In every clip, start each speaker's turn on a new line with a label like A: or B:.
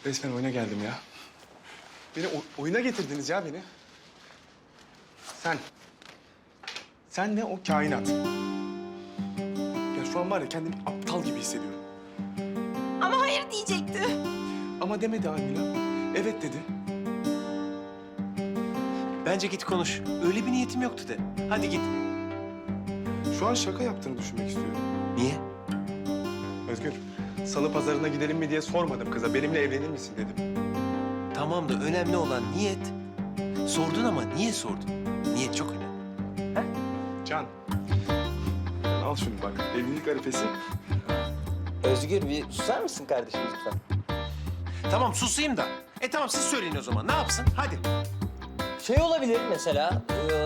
A: Resmen oyuna geldim ya. Beni oyuna getirdiniz ya beni. Sen ne o kainat. Ya şu an var ya kendimi aptal gibi hissediyorum.
B: Ama hayır diyecekti.
A: Ama demedi Almila. Evet dedi.
C: Bence git konuş. Öyle bir niyetim yoktu de. Hadi git.
A: Şu an şaka yaptığını düşünmek istiyorum.
C: Niye?
A: Özgür, salı pazarına gidelim mi diye sormadım kıza. Benimle evlenir misin dedim.
C: Tamam da önemli olan niyet. Sordun ama niye sordun? Niyet çok önemli.
A: Can, al şunu bak. Evlilik arifesi.
D: Özgür bir susar mısın kardeşim lütfen?
C: Tamam susayım da. Tamam siz söyleyin o zaman. Ne yapsın? Hadi.
D: Şey olabilir mesela,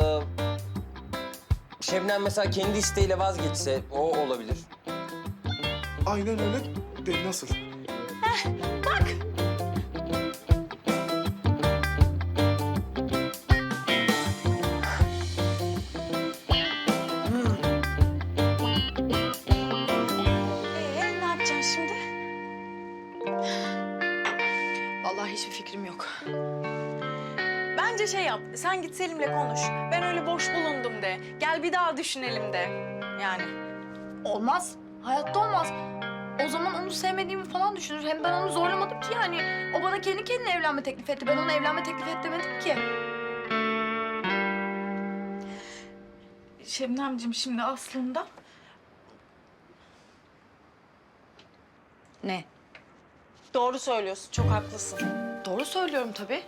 D: Şebnem mesela kendi isteğiyle vazgeçse o olabilir.
A: Aynen öyle. De nasıl?
B: Bak. Ne yapacaksın şimdi?
E: Vallahi hiçbir fikrim yok.
B: Bence şey yap, sen git Selim'le konuş. Ben öyle boş bulundum de. Gel bir daha düşünelim de. Yani.
E: Olmaz. Hayatta olmaz. O zaman onu sevmediğimi falan düşünür. Hem ben onu zorlamadım ki yani. O bana kendi kendine evlenme teklif etti. Ben ona evlenme teklif et demedim ki.
B: Şebnemciğim şimdi aslında...
E: Ne?
B: Doğru söylüyorsun, çok haklısın.
E: Doğru söylüyorum tabii.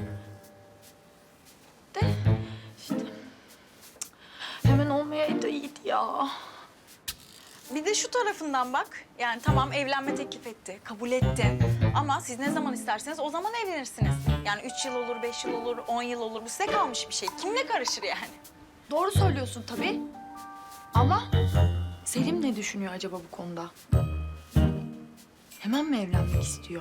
E: De işte hemen olmayaydı iyiydi ya.
B: Bir de şu tarafından bak. Yani tamam evlenme teklif etti, kabul etti. Ama siz ne zaman isterseniz o zaman evlenirsiniz. Yani 3 yıl olur, 5 yıl olur, 10 yıl olur. Bu size kalmış bir şey. Kim ne karışır yani?
E: Doğru söylüyorsun tabii. Ama Selim ne düşünüyor acaba bu konuda? Hemen mi evlenmek istiyor?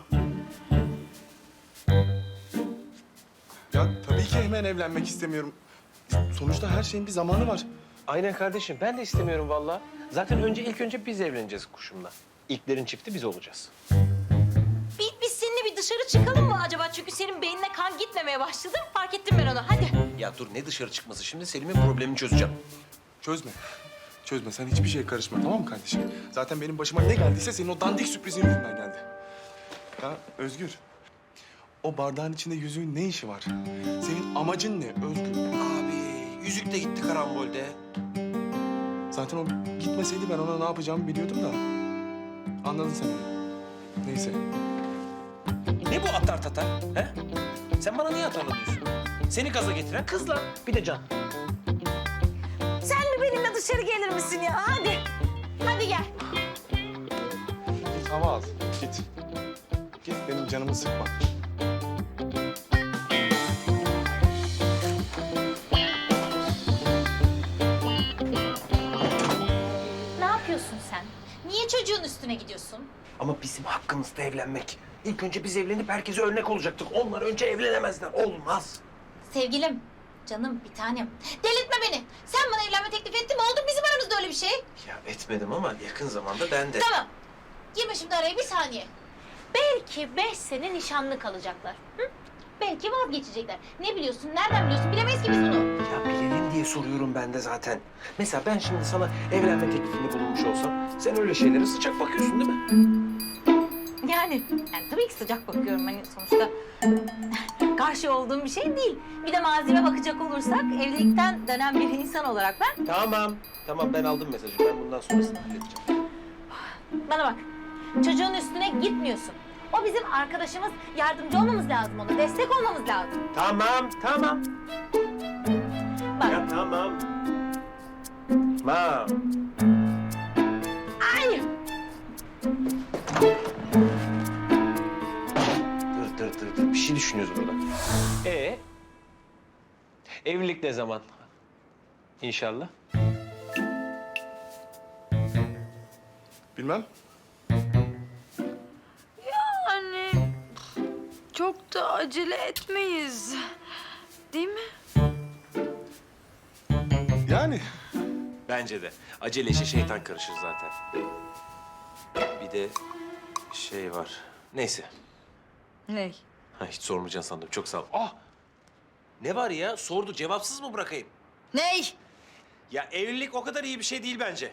A: Ya tabii ki hemen evlenmek istemiyorum. Sonuçta her şeyin bir zamanı var.
C: Aynen kardeşim. Ben de istemiyorum vallahi. Zaten ilk önce biz evleneceğiz kuşumla. İlklerin çifti biz olacağız.
F: Biz seninle bir dışarı çıkalım mı acaba? Çünkü senin beynine kan gitmemeye başladı. Fark ettim ben onu. Hadi.
C: Ya dur ne dışarı çıkması şimdi? Selim'in problemini çözeceğim.
A: Çözme. Çözme. Sen hiçbir şeye karışma, tamam mı kardeşim? Zaten benim başıma ne geldiyse senin o dandik sürprizin yüzünden geldi. Ya Özgür, o bardağın içinde yüzüğün ne işi var? Senin amacın ne Özgür?
C: Abi yüzük de gitti karambolde.
A: Zaten o gitmeseydi ben ona ne yapacağımı biliyordum da. Anladın sen onu. Neyse.
C: Ne bu atar tatar? He? Sen bana niye atarlanıyorsun? Seni gaza getiren kızla bir de Can.
F: Sen mi benimle dışarı gelir misin ya? Hadi. Hadi gel.
A: Git hava al. Git. Git benim canımı sıkma.
F: Ne yapıyorsun sen? Niye çocuğun üstüne gidiyorsun?
C: Ama bizim hakkımızda evlenmek. İlk önce biz evlenip herkese örnek olacaktık. Onlar önce evlenemezler. Olmaz.
F: Sevgilim, canım, bir tanem. Delirtme beni. Sen bana evlenme teklif ettin mi? Oldu bizim aramızda öyle bir şey.
C: Ya etmedim ama yakın zamanda ben de.
F: Tamam. Girme şimdi araya bir saniye. Belki 5 sene nişanlı kalacaklar. Hı? Belki vazgeçecekler. Ne biliyorsun? Nereden biliyorsun? Bilemeyiz ki biz bunu.
C: Ya bilelim diye soruyorum ben de zaten. Mesela ben şimdi sana evlenme teklifinde bulunmuş olsam... ...sen öyle şeylere sıcak bakıyorsun değil mi?
F: Yani tabii ki sıcak bakıyorum. Hani sonuçta karşı olduğum bir şey değil. Bir de malzeme bakacak olursak evlilikten dönen bir insan olarak ben...
C: Tamam ben aldım mesajı. Ben bundan sonrasını halledeceğim.
F: Bana bak, çocuğun üstüne gitmiyorsun. O bizim arkadaşımız, yardımcı olmamız lazım ona, destek olmamız lazım.
C: Tamam.
F: Bak,
C: Ya tamam. Tamam.
F: ay!
C: Dur. Bir şey düşünüyoruz burada. Evlilik ne zaman? İnşallah.
A: Bilmem.
E: Yani çok da acele etmeyiz. Değil mi?
A: Yani
C: Bence de. Acele işe şeytan karışır zaten. Bir de şey var. Neyse.
B: Ney?
C: Ha, hiç sormayacaksın sandım. Çok sağ ol. Ah! Ne var ya? Sordu. Cevapsız mı bırakayım?
B: Ney?
C: Ya evlilik o kadar iyi bir şey değil bence.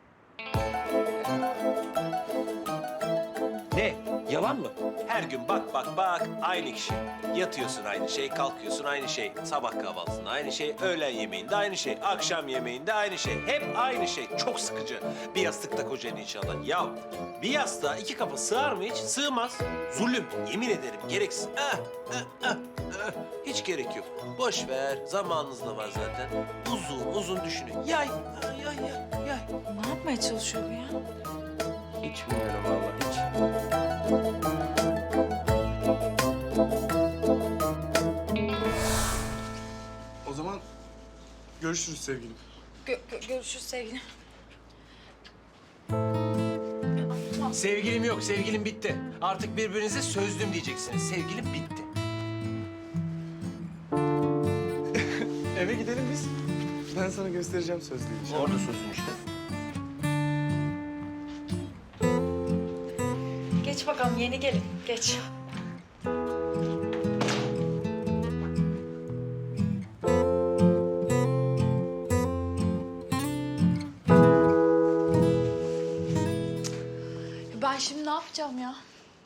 C: Ne? Yalan mı? Her gün bak aynı kişi. Yatıyorsun aynı şey, kalkıyorsun aynı şey. Sabah kahvaltısında aynı şey, öğlen yemeğinde aynı şey, akşam yemeğinde aynı şey. Hep aynı şey. Çok sıkıcı. Bir yastıkta kocanın inşallah. Ya bir yastığa 2 kafa sığar mı hiç? Sığmaz. Zulüm. Yemin ederim gereksiz. Hiç gerek yok. Boş ver. Zamanınız da var zaten. Uzun düşünün. Yay. Yay.
B: Ne yapmaya çalışıyor bu ya?
C: Hiç bilmiyorum vallahi hiç.
A: O zaman görüşürüz sevgilim.
B: Görüşürüz sevgilim.
C: Sevgilim yok, sevgilim bitti. Artık birbirinize sözlüm diyeceksiniz. Sevgilim bitti.
A: Eve gidelim biz. Ben sana göstereceğim sözlüğü.
C: Orada sözlüm işte.
B: Geç bakalım yeni gelin. Geç.
E: Ben şimdi ne yapacağım ya?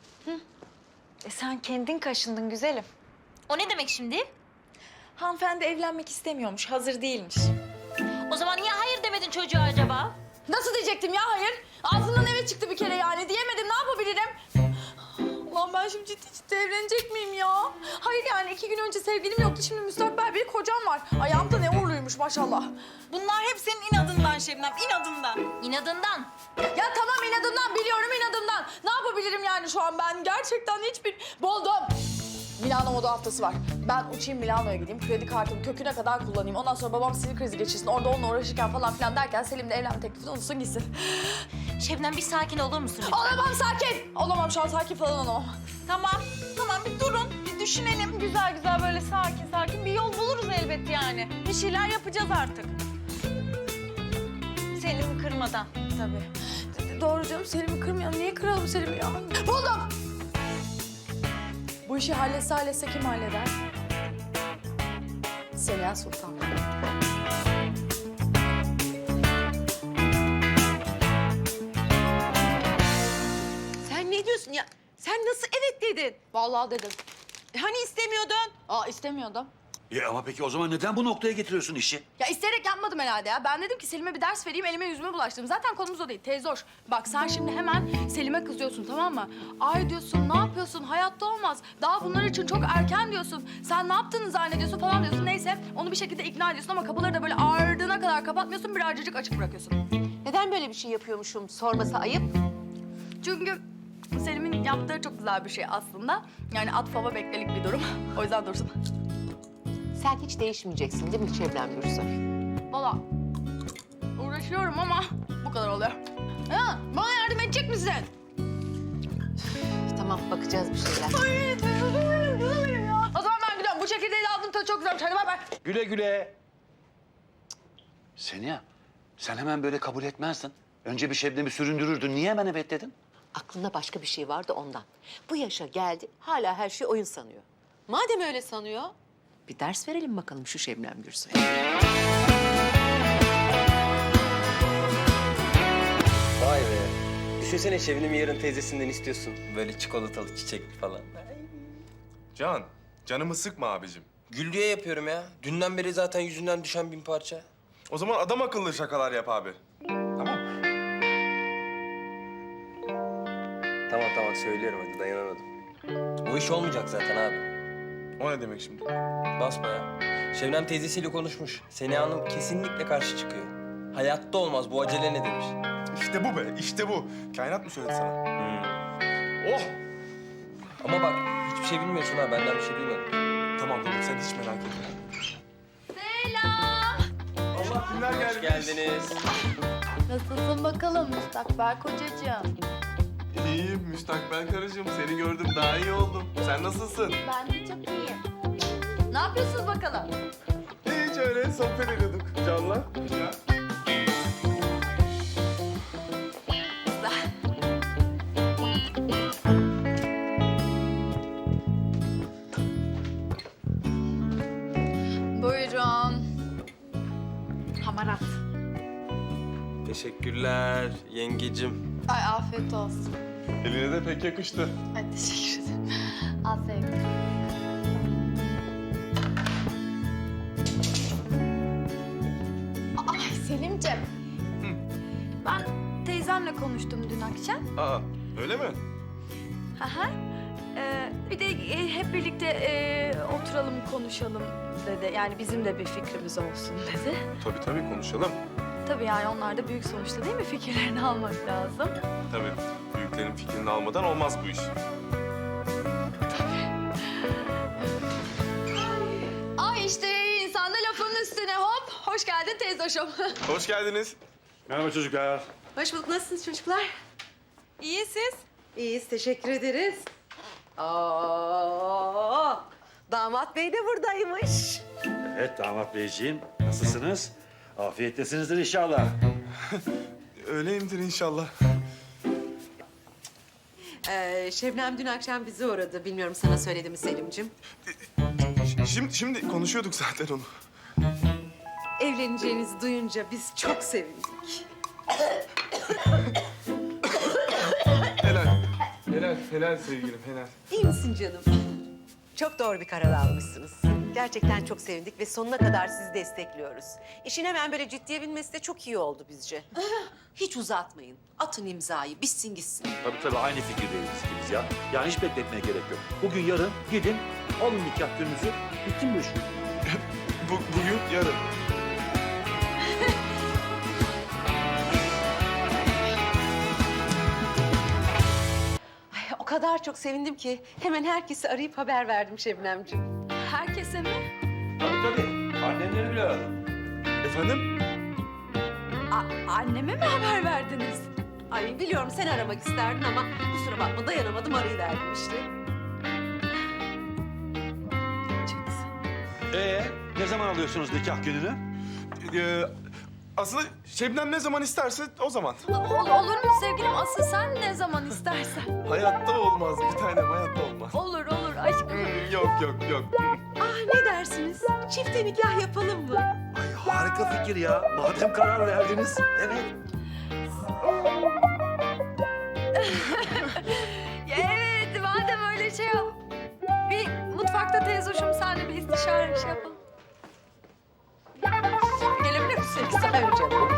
B: Sen kendin kaşındın güzelim.
F: O ne demek şimdi?
B: Hanımefendi evlenmek istemiyormuş, hazır değilmiş.
F: O zaman niye hayır demedin çocuğa acaba?
E: Nasıl diyecektim ya hayır? Ağzımdan evet çıktı bir kere yani. Diyemedim ne yapabilirim? Ulan ben şimdi ciddi evlenecek miyim ya? Hayır yani 2 gün önce sevgilim yoktu. Şimdi müstakbel bir kocam var. Ayağımda ne uğurluymuş maşallah.
B: Bunlar hep senin inadından Şebnem, inadından.
F: İnadından.
E: Ya tamam inadımdan biliyorum inadımdan. Ne yapabilirim yani şu an ben? Gerçekten hiçbir... Buldum. Milano moda haftası var. Ben uçayım Milano'ya gideyim. Kredi kartımı köküne kadar kullanayım. Ondan sonra babam sinir krizi geçirsin. Orada onunla uğraşırken falan filan derken Selim de evlenme teklifini unutsun gitsin.
F: Şebnem bir sakin olur musun lütfen?
E: Olamam sakin. Olamam şu an sakin falan olamam.
B: Tamam bir durun, bir düşünelim. Güzel güzel böyle sakin bir yol buluruz elbet yani. Bir şeyler yapacağız artık. Selim'i kırmadan tabii.
E: Doğru canım Selim'i kırmayalım. Niye kıralım Selim'i ya? Buldum. Bu işi halletse kim halleder? Seniha Sultan.
G: Sen ne diyorsun ya? Sen nasıl evet dedin?
E: Vallahi dedim.
G: Hani istemiyordun?
E: İstemiyordum.
H: Ama peki o zaman neden bu noktaya getiriyorsun işi?
E: Ya isteyerek yapmadım herhalde ya. Ben dedim ki Selim'e bir ders vereyim, elime yüzüme bulaştım. Zaten konumuz o değil, teyze hoş. Bak sen şimdi hemen Selim'e kızıyorsun tamam mı? Ay diyorsun, ne yapıyorsun? Hayatta olmaz. Daha bunlar için çok erken diyorsun. Sen ne yaptığını zannediyorsun falan diyorsun. Neyse onu bir şekilde ikna ediyorsun ama kapıları da böyle ardına kadar kapatmıyorsun. Birazcık açık bırakıyorsun.
G: Neden böyle bir şey yapıyormuşum sorması ayıp?
E: Çünkü Selim'in yaptığı çok güzel bir şey aslında. Yani at fava beklelik bir durum. O yüzden dursun.
G: Sen hiç değişmeyeceksin değil mi Şebnem Gürsoy?
E: Valla uğraşıyorum ama bu kadar oluyor. Ha, bana yardım edecek misin?
G: Tamam bakacağız bir şeyler.
E: O zaman ben gidiyorum. Bu çekirdeği de aldım tadı çok güzelmiş. Hadi bay bay.
C: Güle güle.
H: Seniha, sen hemen böyle kabul etmezdin. Önce bir Şebnem'i süründürürdün. Niye hemen evet dedin?
G: Aklında başka bir şey vardı ondan. Bu yaşa geldi hala her şey oyun sanıyor. Madem öyle sanıyor bir ders verelim bakalım şu Şebnem Gürsoy'a.
D: Vay be. Düşünsene Şebnem'i yarın teyzesinden istiyorsun. Böyle çikolatalı, çiçekli falan.
A: Canımı sıkma abicim.
D: Gül diye yapıyorum ya. Dünden beri zaten yüzünden düşen 1000 parça.
A: O zaman adam akıllı şakalar yap abi. Tamam.
D: Tamam söylüyorum hadi dayanamadım. O iş olmayacak zaten abi.
A: O ne demek şimdi?
D: Basbaya. Şebnem teyzesiyle konuşmuş. Seniha Hanım kesinlikle karşı çıkıyor. Hayatta olmaz bu acele ne demiş.
A: İşte bu be, işte bu. Kainat mı söyledi sana? Oh!
D: Ama bak hiçbir şey bilmiyorsun ha benden bir şey duymadın.
A: Tamam sen hiç merak etme.
E: Selam.
A: Allah kimler geldi?
D: Hoş geldiniz.
E: Nasılsın bakalım müstakbel kocacığım?
A: İyiyim müstakbel karıcığım. Seni gördüm daha iyi oldum. Sen nasılsın?
E: Ben de çok iyiyim. Ne yapıyorsunuz bakalım?
A: Hiç öyle sohbet ediyorduk Can'la. Ya.
D: Teşekkürler yengecim.
E: Ay afiyet olsun.
A: Eline de pek yakıştı.
E: Ay teşekkür ederim. Afiyet. Ay Selimciğim. Ben teyzemle konuştum dün akşam.
A: Aa, öyle mi?
E: Aha. Bir de hep birlikte oturalım konuşalım dedi. Yani bizim de bir fikrimiz olsun dedi.
A: Tabii konuşalım.
E: Tabii yani onlar da büyük sonuçta değil mi? Fikirlerini almak lazım.
A: Tabii. Büyüklerin fikrini almadan olmaz bu iş.
E: Ay işte insan da lafın üstüne hop. Hoş geldin teyzoşum.
A: Hoş geldiniz.
I: Merhaba çocuklar.
G: Hoş bulduk. Nasılsınız çocuklar?
B: İyi siz?
G: İyiyiz, teşekkür ederiz. Aa, damat bey de buradaymış.
I: Evet damat beyciğim. Nasılsınız? Afiyettesinizdir inşallah.
A: Öyleyimdir inşallah.
G: Şebnem dün akşam bizi uğradı. Bilmiyorum sana söyledi mi Selim'cim?
A: Şimdi konuşuyorduk zaten onu.
G: Evleneceğinizi duyunca biz çok sevindik.
A: Helal sevgilim, helal.
G: İyi misin canım? Çok doğru bir karar almışsınız. Gerçekten çok sevindik ve sonuna kadar sizi destekliyoruz. İşin hemen böyle ciddiye binmesi de çok iyi oldu bizce. Hiç uzatmayın. Atın imzayı, bitsin gitsin.
I: Tabii aynı fikirdeyiz ikimiz ya. Yani hiç bekletmeye gerek yok. Bugün yarın gidin alın nikah gününüzü. Bitsin bu iş.
A: Bugün, yarın.
G: Ay, o kadar çok sevindim ki hemen herkesi arayıp haber verdim Şebnemciğim.
E: Herkese mi?
I: Tabii. Annemleri bile aradım.
A: Efendim?
E: Anneme mi haber verdiniz?
G: Ay biliyorum sen aramak isterdin ama kusura bakma dayanamadım arayıverdim işte.
I: Ne zaman alıyorsunuz nikah gününü?
A: Aslında Şebnem ne zaman isterse o zaman.
E: Olur mu sevgilim? Asıl sen ne zaman istersen.
A: Hayatta olmaz bir tanem, hayatta olmaz.
E: Olur aşkım.
A: Yok.
G: Ah ne dersiniz? Çifte nikah yapalım mı?
I: Ay harika fikir ya. Madem karar verdiniz. Evet.
E: Evet, madem öyle şey yap. Bir mutfakta teyzoşum senle bir istişare şey yapalım. Gelebilir misin?
G: Tabii canım.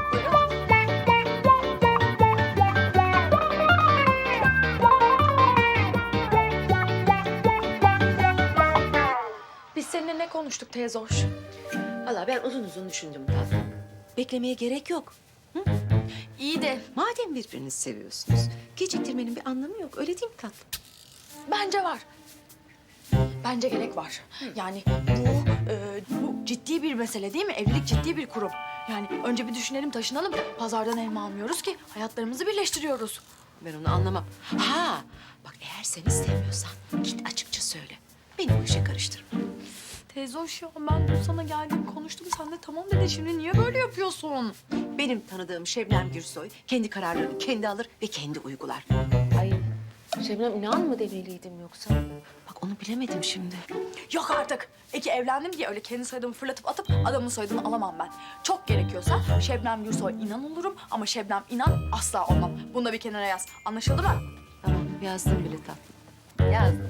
E: Biz seninle ne konuştuk teyzoş?
G: Vallahi ben uzun düşündüm tatlım. Beklemeye gerek yok.
E: İyi de
G: Madem birbirinizi seviyorsunuz, geciktirmenin bir anlamı yok. Öyle değil mi tatlım?
E: bence var. Bence gerek var. Yani bu ciddi bir mesele değil mi? Evlilik ciddi bir kurum. Yani önce bir düşünelim, taşınalım. Pazardan elma almıyoruz ki. Hayatlarımızı birleştiriyoruz.
G: Ben onu anlamam. Ha, bak eğer sen istemiyorsan git açıkça söyle. Beni bu işe karıştırma.
E: Teyzoş ya ben dün sana geldim konuştum. Sen de tamam dedi. Şimdi niye böyle yapıyorsun?
G: Benim tanıdığım Şebnem Gürsoy kendi kararlarını kendi alır ve kendi uygular. Ay Şebnem inan mı demeliydim yoksa? Bak onu bilemedim şimdi.
E: Yok artık. Eki evlendim diye öyle kendi soyadımı fırlatıp atıp adamın soyadını alamam ben. Çok gerekiyorsa Şebnem Gürsoy inan olurum ama Şebnem inan asla olmam. Bunu da bir kenara yaz. Anlaşıldı mı?
G: Tamam yazdım bile tatlım. Yazdım.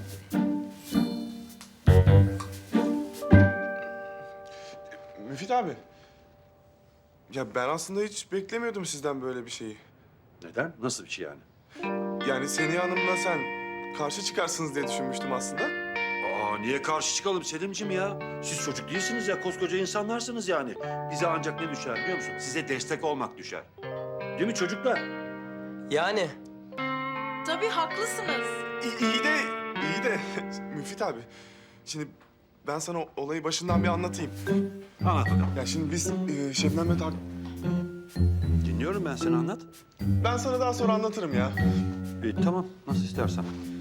A: Müfit abi. Ya ben aslında hiç beklemiyordum sizden böyle bir şeyi.
I: Neden? Nasıl bir şey yani?
A: Yani Seniha Hanım'la sen karşı çıkarsınız diye düşünmüştüm aslında.
I: Niye karşı çıkalım Selim'ciğim ya? Siz çocuk değilsiniz ya, koskoca insanlarsınız yani. Bize ancak ne düşer biliyor musun? Size destek olmak düşer. Değil mi çocuklar?
D: Yani
B: Tabii haklısınız.
A: İyi de Müfit abi. Şimdi ben sana olayı başından bir anlatayım.
I: Anlat bakalım.
A: Ya şimdi biz Şebnem'le
I: Dinliyorum ben, seni anlat.
A: Ben sana daha sonra anlatırım ya.
I: Tamam, nasıl istersen.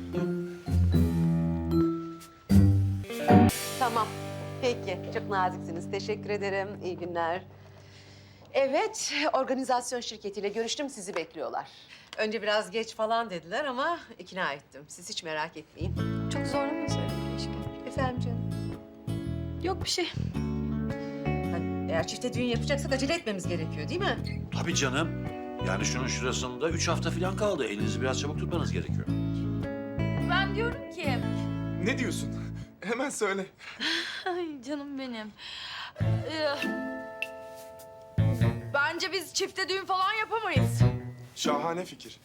G: Tamam. Peki. Çok naziksiniz. Teşekkür ederim. İyi günler. Evet, organizasyon şirketiyle görüştüm. Sizi bekliyorlar. Önce biraz geç falan dediler ama ikna ettim. Siz hiç merak etmeyin.
E: Çok zorla mı söyledim keşke?
G: Efendim canım?
E: Yok bir şey.
G: Eğer çifte düğün yapacaksak acele etmemiz gerekiyor değil mi?
I: Tabii canım. Yani şunun şurasında 3 hafta falan kaldı. Elinizi biraz çabuk tutmanız gerekiyor.
E: Ben diyorum ki...
A: Ne diyorsun? Hemen söyle.
E: Ay canım benim. Bence biz çifte düğün falan yapamayız.
A: Şahane fikir.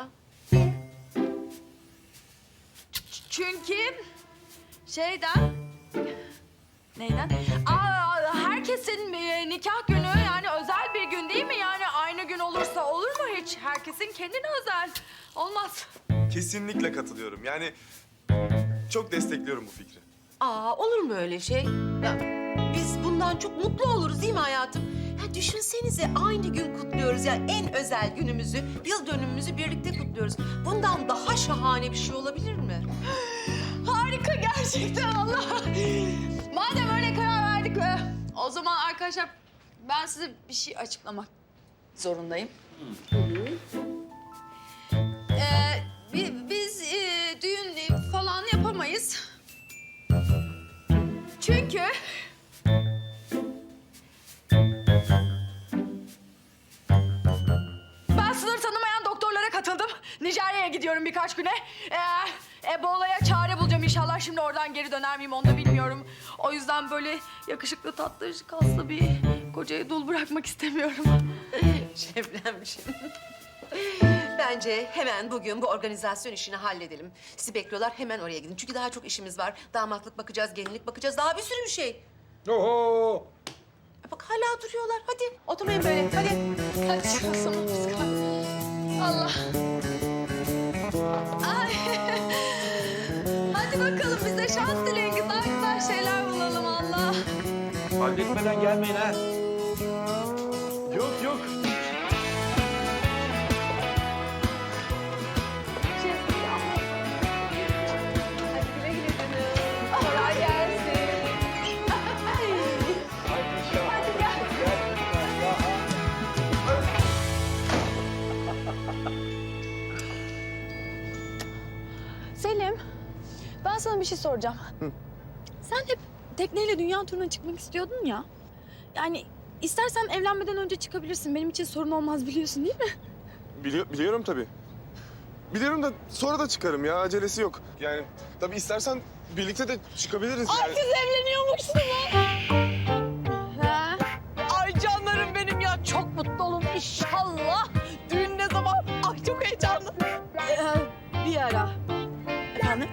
E: Çünkü şeyden... Neyden? Herkesin nikah günü yani özel bir gün değil mi? Yani aynı gün olursa olur mu hiç? Herkesin kendine özel. Olmaz.
A: Kesinlikle katılıyorum. Yani çok destekliyorum bu fikri.
G: Olur mu öyle şey? Ya, biz bundan çok mutlu oluruz değil mi hayatım? Ya düşünsenize aynı gün kutluyoruz ya en özel günümüzü, yıl dönümümüzü birlikte kutluyoruz. Bundan daha şahane bir şey olabilir mi?
E: Harika gerçekten Allah. Madem öyle karar verdik o zaman arkadaşlar ben size bir şey açıklamak zorundayım. Biz düğün falan yapamayız. Çünkü ben sınır tanımayan doktorlara katıldım. Nijerya'ya gidiyorum birkaç güne. Ebola'ya çare bulacağım inşallah. Şimdi oradan geri döner miyim onu da bilmiyorum. O yüzden böyle yakışıklı, tatlı, kaslı bir kocayı dul bırakmak istemiyorum.
G: Şebnemciğim. Bence hemen bugün bu organizasyon işini halledelim. Sizi bekliyorlar, hemen oraya gidin. Çünkü daha çok işimiz var. Damatlık bakacağız, gelinlik bakacağız. Daha bir sürü bir şey.
A: Oho!
G: Bak hala duruyorlar. Hadi oturmayın böyle. Hadi.
E: Hadi çıkalım biz. Allah. Ay. Hadi bakalım bize şans dileyin. Güzel güzel şeyler bulalım Allah.
I: Halletmeden gelmeyin ha.
A: Yok yok.
E: Kolay gelsin. Selim, ben sana bir şey soracağım. Sen hep tekneyle dünya turuna çıkmak istiyordun ya. Yani istersen evlenmeden önce çıkabilirsin. Benim için sorun olmaz biliyorsun değil mi?
A: Biliyorum tabii. Biliyorum da sonra da çıkarım ya. Acelesi yok. Yani tabii istersen birlikte de çıkabiliriz yani.
E: Siz evleniyormuşsunuz. Ha? Ay canlarım benim ya. Çok mutlu olun inşallah. Düğün ne zaman? Ay çok heyecanlı. Bir ara. Efendim?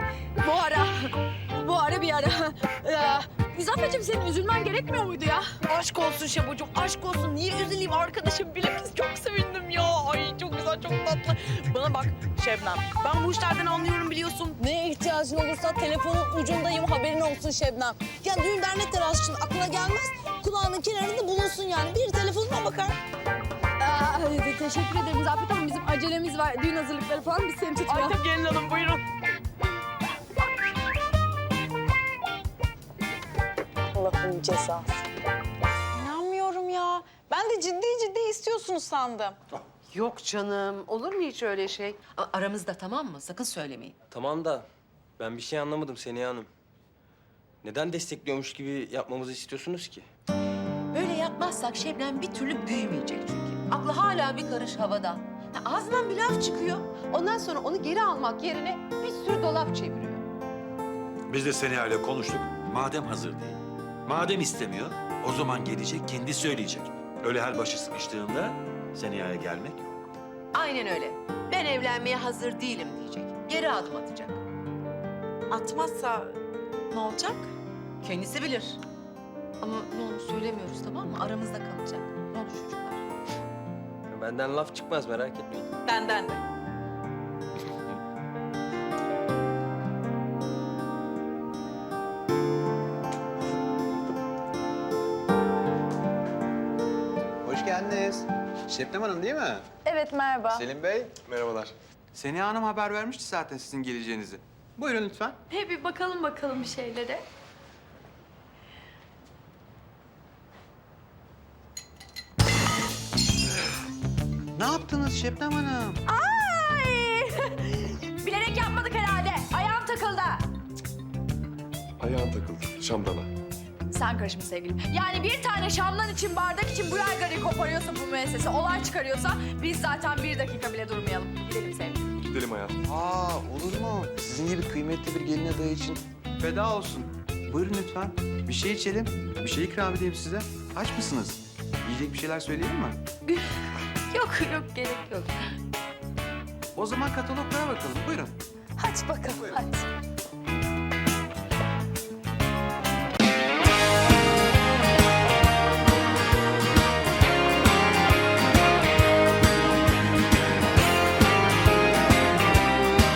E: Bu ara bir ara. İzafet'ciğim senin üzülmen gerekmiyor muydu ya? Aşk olsun Şebocuğum, aşk olsun. Niye üzüleyim arkadaşım? Bilakis çok sevindim ya. Ay çok güzel, çok tatlı. Bana bak Şebnem, ben bu işlerden anlıyorum biliyorsun.
J: Neye ihtiyacın olursa telefonun ucundayım, haberin olsun Şebnem. Ya düğün dernek telaşı için aklına gelmez, kulağının kenarında bulunsun yani. Bir telefonuna bakar.
E: Teşekkür ederim İzafet Hanım. Bizim acelemiz var. Düğün hazırlıkları falan biz seni tutmayalım. Ay tabii gelin hanım, buyurun.
J: Allah'ın cezası.
B: İnanmıyorum ya. Ben de ciddi istiyorsunuz sandım.
G: Yok canım. Olur mu hiç öyle şey? Aramızda tamam mı? Sakın söylemeyin.
D: Tamam da ben bir şey anlamadım Seniha Hanım. Neden destekliyormuş gibi yapmamızı istiyorsunuz ki?
G: Böyle yapmazsak Şebnem bir türlü büyümeyecek çünkü. Aklı hala bir karış havada. Ya ağzından bir laf çıkıyor. Ondan sonra onu geri almak yerine bir sürü dolap çeviriyor.
I: Biz de Seniha ile konuştuk. Madem hazır değil, madem istemiyor, o zaman gelecek, kendi söyleyecek. Öyle her başı sıkıştığında Seniha'ya gelmek yok.
G: Aynen öyle. Ben evlenmeye hazır değilim diyecek. Geri adım atacak.
B: Atmazsa ne olacak?
G: Kendisi bilir. Ama ne olur söylemiyoruz tamam mı? Aramızda kalacak. Ne olur çocuklar.
D: Benden laf çıkmaz merak etmeyin.
B: Benden de.
K: Hoş geldiniz. Şebnem Hanım değil mi?
E: Evet merhaba.
K: Selim Bey.
A: Merhabalar.
K: Seniha Hanım haber vermişti zaten sizin geleceğinizi. Buyurun lütfen.
E: Bir bakalım bir şeylere.
K: Ne yaptınız Şebnem Hanım?
E: Ay! Bilerek yapmadık herhalde. Ayağım takıldı.
A: Ayağın takıldı şamdana.
E: sen karışma sevgilim. Yani bir tane şamdan için, bardak için bu yaygarayı koparıyorsa bu müessese, olay çıkarıyorsa biz zaten bir dakika bile durmayalım. Gidelim sevgilim.
A: Gidelim hayatım.
K: Aa, olur mu? Sizin gibi kıymetli bir gelin adayı için feda olsun. Buyurun lütfen. Bir şey içelim. Bir şey ikram edeyim size. Aç mısınız? Yiyecek bir şeyler söyleyelim mi?
E: Yok gerek yok.
K: O zaman kataloglara bakalım. Buyurun.
E: Hadi bakalım hadi.